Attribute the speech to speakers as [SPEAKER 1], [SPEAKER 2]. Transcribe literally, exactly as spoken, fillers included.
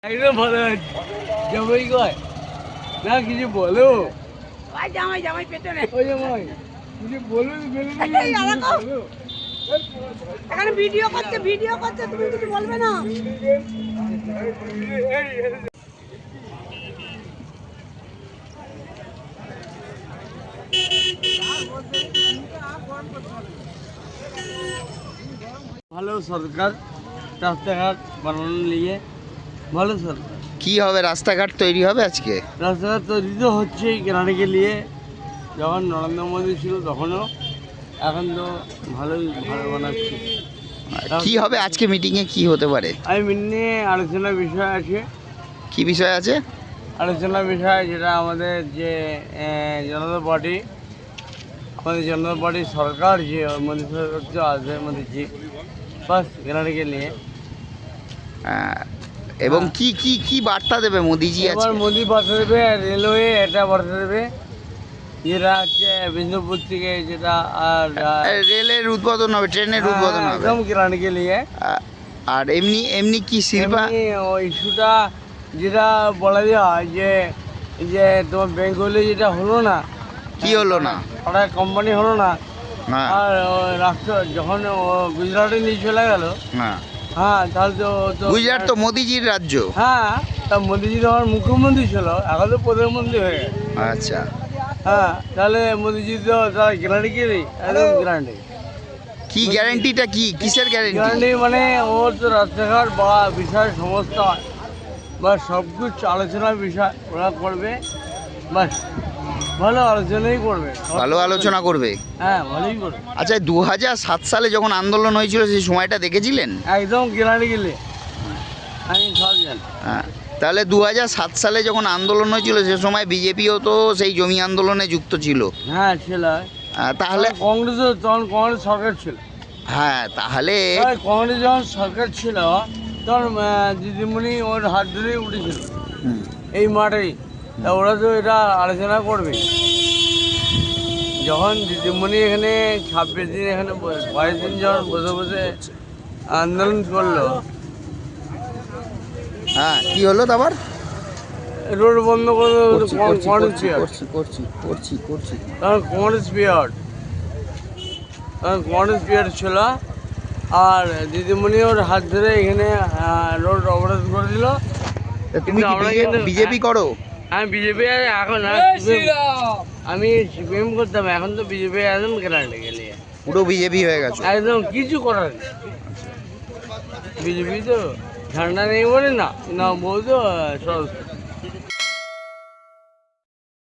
[SPEAKER 1] একদম ভালো আছে। জামাই কয় না কিছু বলো।
[SPEAKER 2] ভাই জামাই জামাই পেছনে।
[SPEAKER 1] ওই জামাই কিছু বলো বলো
[SPEAKER 2] এই আলাদা। এখানে ভিডিও করতে ভিডিও করতে তুমি কিছু বলবে না।
[SPEAKER 1] ভালো সরকার রাস্তাঘাট বানানো নিয়ে ভালো সরকার।
[SPEAKER 3] কি হবে, রাস্তাঘাট তৈরি হবে আজকে?
[SPEAKER 1] রাস্তাঘাট তৈরি তো হচ্ছেই কেনাটাকে নিয়ে, যখন নরেন্দ্র মোদী ছিল তখনও, এখন তো ভালোই ভালো বানাচ্ছে।
[SPEAKER 3] কি হবে আজকে মিটিংয়ে, কি হতে পারে?
[SPEAKER 1] আমি মিন্নি আলোচনার বিষয় আছে।
[SPEAKER 3] কি বিষয় আছে
[SPEAKER 1] আলোচনার বিষয়? যেটা আমাদের যে আহ, জনতা পার্টি, আমাদের জনতা পার্টির সরকার যে মোদী সরকার যে আছে মোদীজি, বাস কেনাটাকে নিয়ে।
[SPEAKER 3] আহ, এবং কি কি কি বার্তা দেবে মোদিজি
[SPEAKER 1] এবার
[SPEAKER 3] আজকে?
[SPEAKER 1] মোদি বার্তা দেবে, রেলওয়ে এটা বার্তা দেবে, যেটা হচ্ছে বিষ্ণুপুর থেকে যেটা আর
[SPEAKER 3] আহ, রেলের উদ্বোধন হবে, ট্রেনের উদ্বোধন হবে।
[SPEAKER 1] একদম কেনাটাকে নিয়ে।
[SPEAKER 3] আহ, আর এমনি এমনি কি শিল্পা
[SPEAKER 1] এমনি ওই ইস্যুটা যেটা বলা যায় যে যে তোমার বেঙ্গলে যেটা হলো না,
[SPEAKER 3] কি হলো না?
[SPEAKER 1] ওটা কোম্পানি হলো না,
[SPEAKER 3] হ্যাঁ
[SPEAKER 1] আর ওই রাষ্ট্র যখন ও গুজরাটে নিয়ে চলে গেল,
[SPEAKER 3] হ্যাঁ
[SPEAKER 1] হ্যাঁ তাহলে তো তো-
[SPEAKER 3] গুজরাট তো মোদিজির রাজ্য।
[SPEAKER 1] হ্যাঁ, তা মোদিজি তো আমার মুখ্যমন্ত্রী ছিল, এখন তো প্রধানমন্ত্রী হয়ে গেছে।
[SPEAKER 3] আচ্ছা,
[SPEAKER 1] হ্যাঁ, তাহলে মোদিজি তো তার গ্যারান্টি কি নেই? একদম গ্যারান্টি।
[SPEAKER 3] কি গ্যারান্টিটা কি, কিসের গ্যারান্টি?
[SPEAKER 1] গ্যারান্টি মানে ওর তো রাস্তাঘাট বা বিষয় সমস্ত বা সব কিছু আলোচনার বিষয় ওরা করবে, বাস ভালো আলোচনাই করবে।
[SPEAKER 3] ভালো আলোচনা করবে।
[SPEAKER 1] হ্যাঁ, ভালোই করবে।
[SPEAKER 3] আচ্ছা, দু হাজার সাত সালে যখন আন্দোলন হয়েছিল সেই সময়টা দেখেছিলেন?
[SPEAKER 1] একদম গ্যারান্টি গেলে আমি সব জানি।
[SPEAKER 3] হ্যাঁ, তাহলে দু হাজার সাত সালে যখন আন্দোলন হয়েছিল সে সময় বিজেপিও তো সেই জমি আন্দোলনে যুক্ত ছিল।
[SPEAKER 1] হ্যাঁ ছিল।
[SPEAKER 3] আহ, তাহলে
[SPEAKER 1] কংগ্রেসও তখন কংগ্রেস সরকার ছিল।
[SPEAKER 3] হ্যাঁ তাহলে
[SPEAKER 1] তাই কংগ্রেস যখন সরকার ছিল তখন আহ, দিদিমণি ওর হাত ধরেই উঠেছিল
[SPEAKER 3] হুম,
[SPEAKER 1] এই মাঠেই। তা ওরা তো এটা আলোচনা করবে। যখন দিদিমণি এখানে ছাব্বিশ দিন এখানে ব- বাইশ দিন যখন বসে বসে আন্দোলন করলো,
[SPEAKER 3] হ্যাঁ কি হলো তারপর?
[SPEAKER 1] রোড বন্ধ করে দিল
[SPEAKER 3] করছি, করছি,
[SPEAKER 1] কংগ্রেস
[SPEAKER 3] করছি,
[SPEAKER 1] পিরিয়ড।
[SPEAKER 3] করছি, করছি, করছি, করছি।
[SPEAKER 1] তখন কংগ্রেস পিরিয়ড তখন কংগ্রেস পিরিয়ড ছিল, আর দিদিমণি ওর হাত ধরে এখানে রোড অবরোধ করে দিল।
[SPEAKER 3] তা তুমি
[SPEAKER 1] কিন্তু আমরা
[SPEAKER 3] কি
[SPEAKER 1] কিন্তু-
[SPEAKER 3] বিজেপি করো?
[SPEAKER 1] আমি বিজেপি এখন আর আমি সিপিএম করতাম, এখন তো বিজেপি একদম গ্যারান্টি গেলে
[SPEAKER 3] পুরো বিজেপি হয়ে গেছে?
[SPEAKER 1] একদম কিছু করার নেই। বিজেপি তো ঝান্ডা নেই বলে না না বলতো সব